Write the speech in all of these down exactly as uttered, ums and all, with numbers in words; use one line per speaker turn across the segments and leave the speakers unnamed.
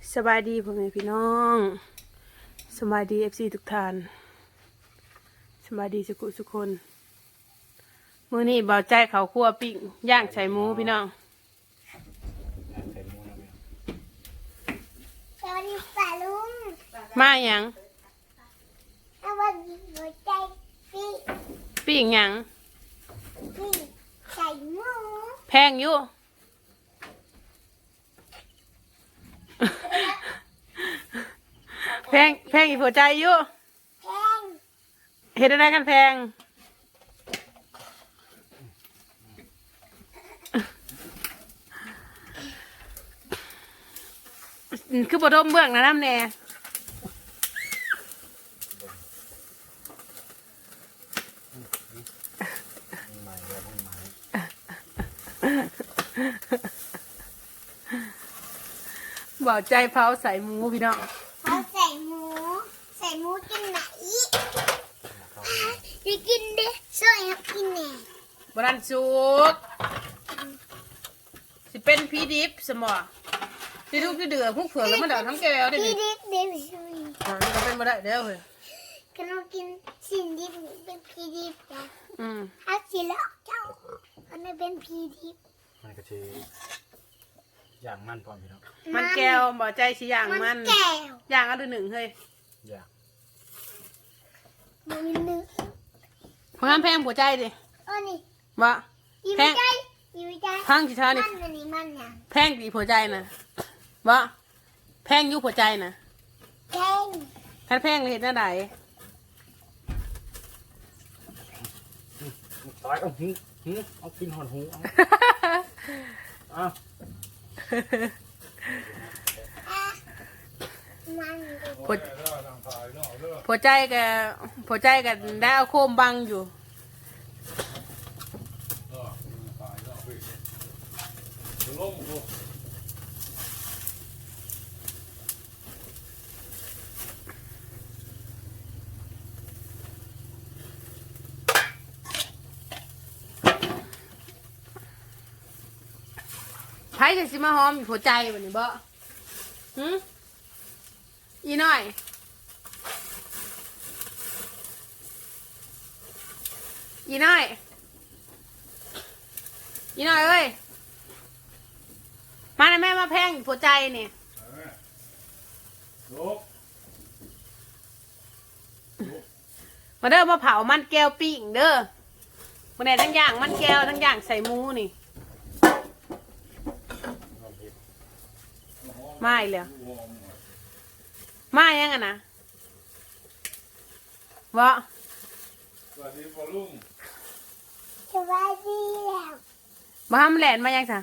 สบายดีพ่อแม่พี่น้องสบายดีเอฟซีทุกท่านสบายดีสุขุสุกคนมื้อนี้เบาใจเขาคั่วปิ้งย่างใส่หมูพี่น้อง
สวัสดีป่าลุง
มาหยัง
สวัสดีหัวใจพี่
ปิ้งหยัง
พี่ใส่หมู
แพงอยู่ แพงแพงอีกหัวใจอยู่
แพง
เห็นอะไรกันแพงคือบดมเบื้องนะน้ำแน่บอกใจเผาใส่หมูพี่น้อง
เขาใส่หมูใส่หมูกินไหนจะกินเด้ซอยครับกินแหน่
บรันสุกสิเป็นพีดิฟสมอที่ทุกที่เดือดพวกเผือกแล้วมันเดือดทั้งแก้วได้
พี่
ดิ
ดิบเดวิสวี
อ่านี่ก็เป็นมาได้เด้อเฮ้ย
กันเรากินสิ่งดิบเป็นพี่ดิบจ้ะ
อืม
ถ้าสิแล้วเจ้ามันไม่เป็นพี่ดิบ
มันก็คืออย่างมันพร้อมพี่น้อง
มันแก้วบอกใจสิอย่างมัน
แก้ว
อย่างเอาดูหนึ่งเฮ้ย
อย่าง
มันมีเนื้อ
เพราะงั้นแพงหัวใจดิ
เออนี่
บ่
อยู่
แพง
ใจอยู่ใจ
พังสิท่านี่
มันอันนี้มันยัง
แพงดีหัวใจนะบ่แพงอยุหัวใจนะ
แพง
ถ้าแพงเลยเห็นหน้าใด
ตายเอาหูหูเอากินหอนหูเอาเอา
อ่ะมัน
หัวหัวใจกับหัวใจกับได้เอาโคมบังอยู่ไผ่จะสิมาหอมหัวใจวันนี้บ่หืมอีน้อยอีน้อยอีน้อยเอ้ยมานะแม่มาแพงหัวใจนี่มาเด้อมาเผามันแก้วปิ้งเด้อมาไหนทั้งอย่างมันแก้วทั้งอย่างใส่หมูนี่มาอีกแล้วมายังอ่ะนะวะ
สวัสดีพ่อลุง
สวัสดีแล้ว
มาทำแหลนมายังจ้ะ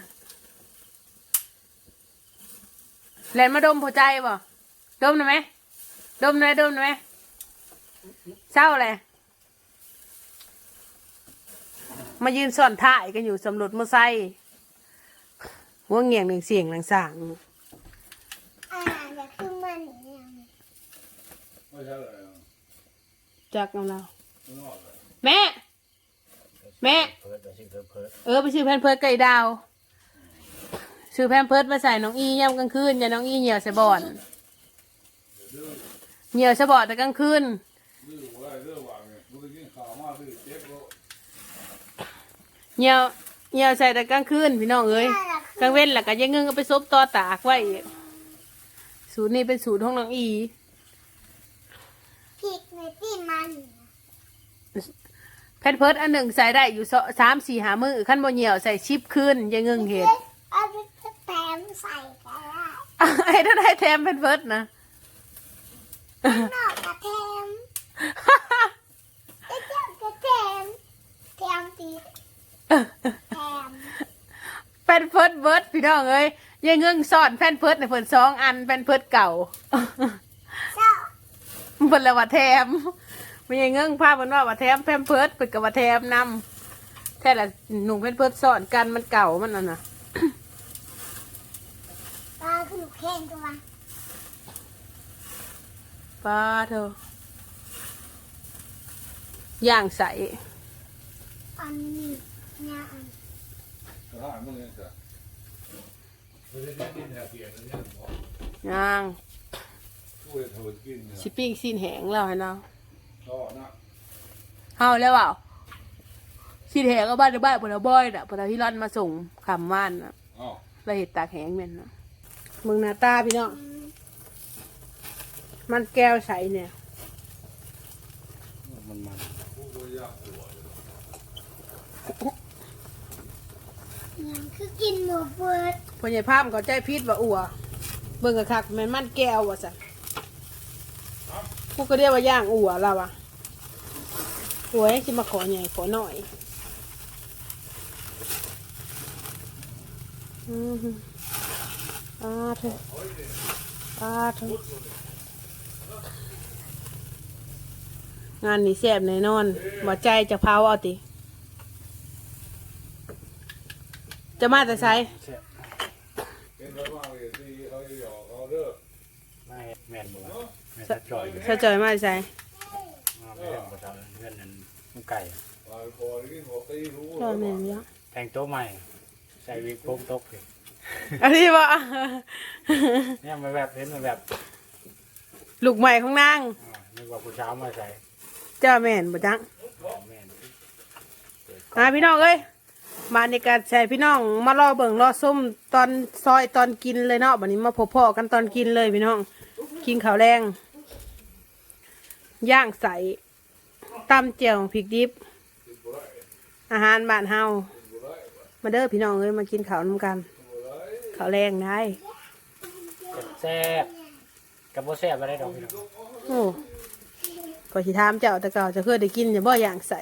แหลนมาดมหัวใจบ่ดมหน่อยไหมดมหน่อยดมหน่อยไหมเศร้าเลยมายืนซ่อนถ่ายกันอยู่สำรวจมอไซค์หัวเงี่ยงหนึ่งเสียงหลังสาง
อ่าเดี๋ยวคือมันอย่าง
ไม่ใช่เลย
จักของเรา
ไม่นอกเลย
แม่ แม่
เพิร์ดไปชื่อเพิร์ดเพิร์ด
เออไปซื้อแพนเพิร์ดไก่ดาวซื้อแพนเพิร์ดมาใส่น้องอีย่ำกลางคืนอย่าน้องอีเหี่ยวใส่บ่อนเหี่ยวใส่บ่อนแต่กลางคืน
ดื้อว่าดื้อว่าเนี่ยมึงกินข้าวมาดื้อเจ็บก็
เหี่ยวเหี่ยวใส่แต่กลางคืนพี่น้องเอ้ยกลางเว้นแหละก็ยังเงึงก็ไปซบต่อตากไว้อีกสูตรนี้เป็นสูตรของน้องอี
พริกในที่มัน
แพนเพิร์ดอันหนึ่งใส่ได้อยู่สามสี่หามือขั้นบนเหี่ยวใส่ชิปขึ้นยังเงึงเห็ด
เอาไปแถมใส่ก็ได้
ไอ้ถ้าได้แถมแพนเพิร์ดนะ
นอกกระแถมเจ้ากระแถมแถมตีแถม
แพนเพิร์ดเบิร์ดพี่น้องเอ้ยยังเงึงซ่อนแพนเพิร์ดในเพิ่นสองอันแพนเพิร์ดเก่า
เจ้า
เพิ่นละว่าแถมไม่ยังเงึงภาพมันว่าว่าแถมแพนเพิร์ดเพิ่นกับว่าแถมนำแท้ละหนุ่มแพนเพิร์ดซ่อนกันมันเก่ามันน่ะนะ
ปลาคือลูกแข้งตัว
ป้าเธอย่างใส
อันนี้เนี่ยอัน
สถานมึงยังจะไม่ได้ดินแถวเตียนเนี่ยบอก
ย่าง
ช่วยเธอกินเนี่ย
สิปิ้งซีนแหงแล้วให้เนาะ
ก็นะ
เฮาแล้วเปล่าซีนแหงก็บ้านในบ้านปนบอยน่ะปนพี่ร่อนมาส่งคำว่านน่ะ
อ๋อ
เราเห็ดตากแหงแม่นเนาะมึงหน้าตาพี่น้องมันแก้วใสเนี่ย
มันมัน
พูดว่ายากหัวเลย
ยังคือกินหมูเปิด
พ่อใหญ่ภาพเขาใจพิษว่าอัวเบิ่งกะคักแม่นมันแก้วว่ะสันพวกก็เรียกว่าย่างอัวเราอะอัวให้สิมาขอใหญ่ขอหน่อยอือหืออ่าเถอะอ่าเถอะงานนี้แซ่บแน่นอนบ่ใจจะเผาเอาติจะมาแต่ไส
แซ่บ
เห็นแล้วว่าเลยที่เขาหยอกเขาเด้อ
ไม่แม่นบ่ล่ะแม่นจะจ่อยอยู่
ถ้าจอยมาแต่ไส
มาเพื่อนบ่เท่าเพื่อนนั้นมันไก่
ลายคอที่หัวตีรู้
จอยแม่นเยอะ
แทงโต๊ะใหม่ใส่วิกโป่งตกเลย
อันนี้ว่า
เนี่ยมันแบบเห็นมันแบบ
ลูกใหม่ของนาง
อ่านึกว่าผู้สาวมาใส่
เจ้าแม่นบ่จัง
แม่น
อ่าพี่น้องเอ้ยมาในการใช้พี่น้องมารอเบิ่งรอส้มตอนซอยตอนกินเลยเนาะบัดนี้มาพบพ่อกันตอนกินเลยพี่น้องกินข้าวแรงย่างใสตำเจียวพริกดิบ อาหารบ้านเฮามาเด้อพี่น้องเอ้ยมากินข้าวนำกันข้าวแรงได้
แซ่บกับบ่แซ่บอะไรดอกพี่น้อง
โอ้ก็สิถามเจ้าแต่เก่าจะเคยได้กินอย่าบ่อย่างใส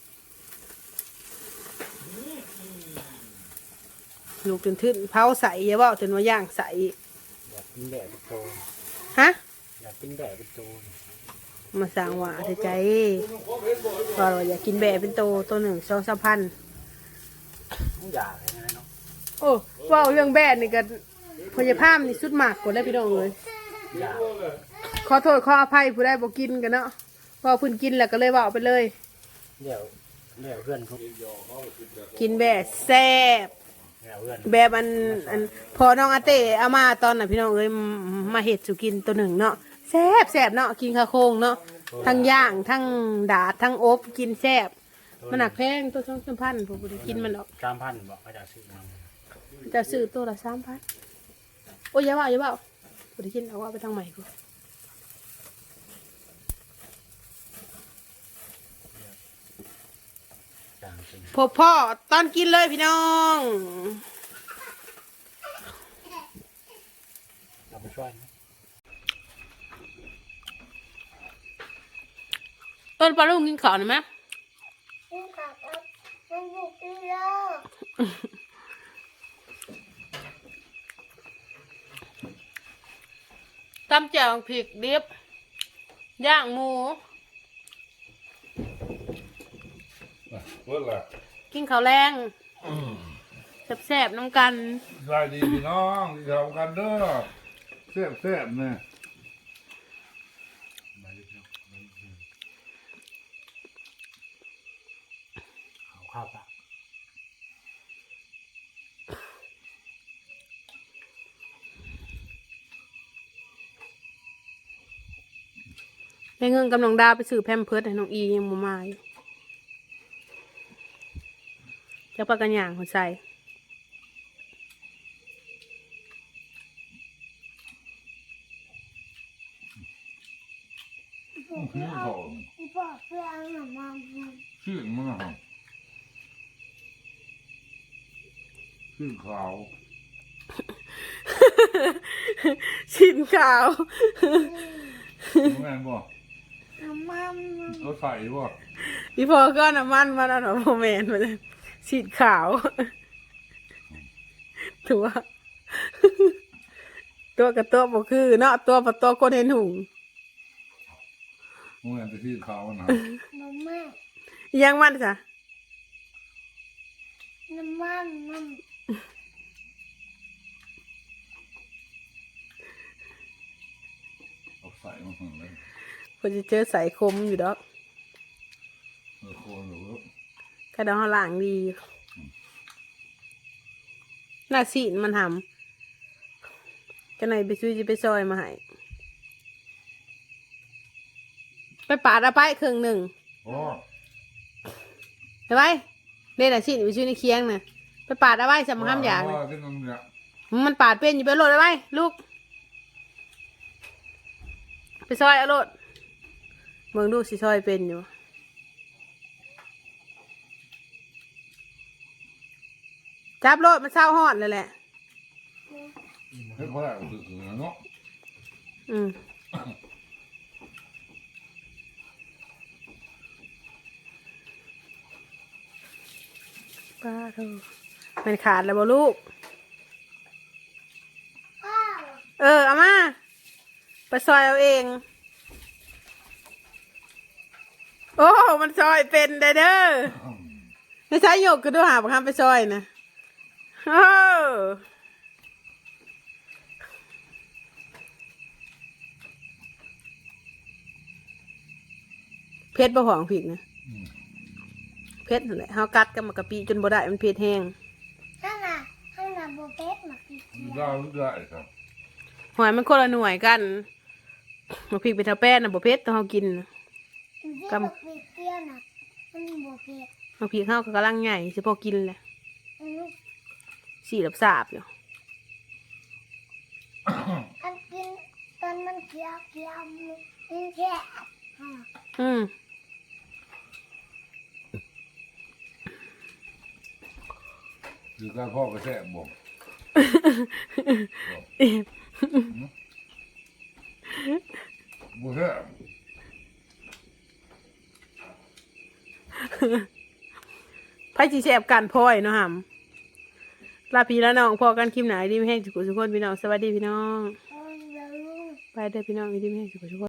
ลูกจนทึ่นเผาใสอย่าบ่จนว่าย่างใส
อยากกินแดดเป็นโต
ฮะ
อยากกินแดดเป็นโต
มาสั่งหวาเถอะใจว่าเราอยากกินแบะเป็นโตตัวหนึ่งสองสามพัน
ต้องอยากเลยนะเนาะ
โอ้ว่าเรื่องแบะนี่ก็พยาภาพนี่สุดมากกว่าได้พี่น้องเลย
อยาก
ขอโทษขออภัยผู้ใดบอกกินกันเนาะพอเพื้นกินแล้วก็เลยว่าเอาไปเลย
เดี๋ยวเดี๋ยวเพื่อนเขา
กินแบะแซ่บ
เดี๋ยวเพื่อน
แบบอันอันพอน้องอาเต้เอามาตอนน่ะพี่น้องเอ้ยมาเห็ดสุกินตัวหนึ่งเนาะแซ่บแซ่บเนาะกินข้าวโคงเนาะทั้งย่างทั้งดาดทั้งอบกินแซ่บมันหนักแพงตัวสองสามพันผมบ่ได้กินมันหรอก
สามพันบอกเขาจะซื้อมา
จะซื้อตัวละสามพันโอ้ยอย่าว่าอย่าว่าบ่ได้กินเอาว่าไปทางใหม่กู
จางจริง
พบพ่อตอนกินเลยพี่น้อง
เราไปช่วยนะ
ต้นปลาลูกกินข้าวหน่อยไหม
กินข้าวกับมันบุกตีโล
ตำแจ่วพริกดิบย่างหมู
เพื่อนแหละ
กินข้าวแรงแซ่บๆน้ำกัน
สวัสดีพี่น้องที่ทำกันเด้อแซ่บแซ่บเนี่ย
มาลึกเนาะมาลึกเนาะเอาข้าวปะ
ได้เงินกำลังดาไปซื้อแพมเพิร์ดให้น้องอียังบ่มาอยู่จะปากกันย่างหัวใจ
คือเขา
อีพ่อเพื่อนหนูมา
ชื่อมันนะครับชื่อขาว
ชินขาว
แม่นบ่
น้ำมัน
เขาใส่บ่
พี่พอก็น้ำมันมาแล้วเนาะโมเมนต์มาเลยชินขาว ถือว่า ตัวกับตัวบ่คือเนาะตัวกับตัวคนเห็นหุง
แม่นจะชื่อขาวนะ
น้ำมัน
ยังมันจ้ะ
น้ำมันมัน
เอาใส่มาข้างใน
คนจะเจอสายคมอยู่ดอก
เออโคนหรือ
กระดองหลังดีหน้าสีนมันทจะไหนไปซื้อจะไปซอยมาให้ไปปาดเอาไปครึ่งหนึ่ง
โอ้
เห็นไหมเล่นอาชีพไปซื้อในเคียงน่ะไปปาดเอาไว้สำห้ามอย่าง
เล
น่ะ
กินน้ำเนี่ย
มันปาดเป็นอยู่ไปโหลดเอาไว้ลูกไปซอยเอาโหลดเมืองดูสิซอยเป็นอยู่จับโหลดมันเศร้าหอดเลยแหละ
เฮ้ยเขาได้คือคือเนาะ
อืมป้าเธอมันขาดแล้วบ่ลูก
พ่อ
เออเอามาไปซอยเอาเอง โอ้ มันซอยเป็นได้เด้อไม่ใช่หยกก็ดูหาบังคับไปซอยนะโอ้เพชรบ่หองผิดนะเพชรนั่นแหละเฮากัดกับมะกะปิจนบ่ได้มันเพชรแห้ง
ข้างหน้าข้างหน้าโบเก็ตมากิน
ได้ได้ครับ
หอยมันคนละหน่วยกันมะพริกเป็นเท่าแป้นน่ะบ่เพชรต้องเฮากินน่ะ
กำปีเตี้ยน่ะมันโบเก็ต
มะพริกเฮาก็กำลังใหญ่สิพอกินแหละ
อืม
สีหลับสาบอยู่
อันกินตอนมันเคี้ยวเคี้ยวมันแค่อ่ะ
อืม
คือการพ่อกระแทกบ่บ่แท้
ไพ่จีแสบกันพ่อยเนาะหำลาพี่แล้วน้องพอกันคลิปไหนดีไม่แห้งสุขุสุขคนพี่น้องสวัสดีพี่น้อง
โอ้ยเดี๋ยวลูก
ไปเด้อพี่น้องดีไม่แห้งสุขุสุขคน